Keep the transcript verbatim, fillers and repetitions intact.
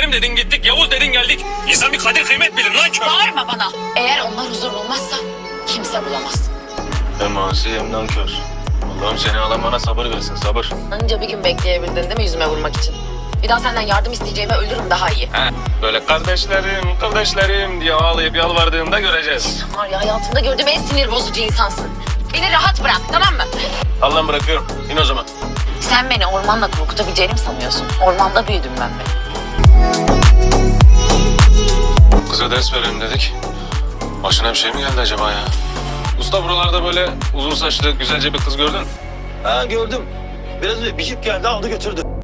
Selim dedin gittik, Yavuz dedin geldik. İnsan bir kadir kıymet bilir lan kör. Bağırma bana. Eğer onlar huzur bulmazsa kimse bulamaz. Hem asi hem nankör. Allah'ım seni alan bana sabır versin, sabır. Anca bir gün bekleyebildin değil mi yüzüme vurmak için? Bir daha senden yardım isteyeceğime ölürüm daha iyi. He, böyle kardeşlerim, kardeşlerim diye ağlayıp yalvardığımda göreceğiz. Var ya hayatımda gördüğüm en sinir bozucu insansın. Beni rahat bırak tamam mı? Allah'ım bırakıyorum. İn o zaman. Sen beni ormanla korkutabileceğini mi sanıyorsun? Ormanda büyüdüm ben be. Kıza ders verelim dedik. Başına bir şey mi geldi acaba ya? Usta buralarda böyle uzun saçlı güzelce bir kız gördün mü? Ha gördüm. Biraz önce bir jip geldi aldı götürdü.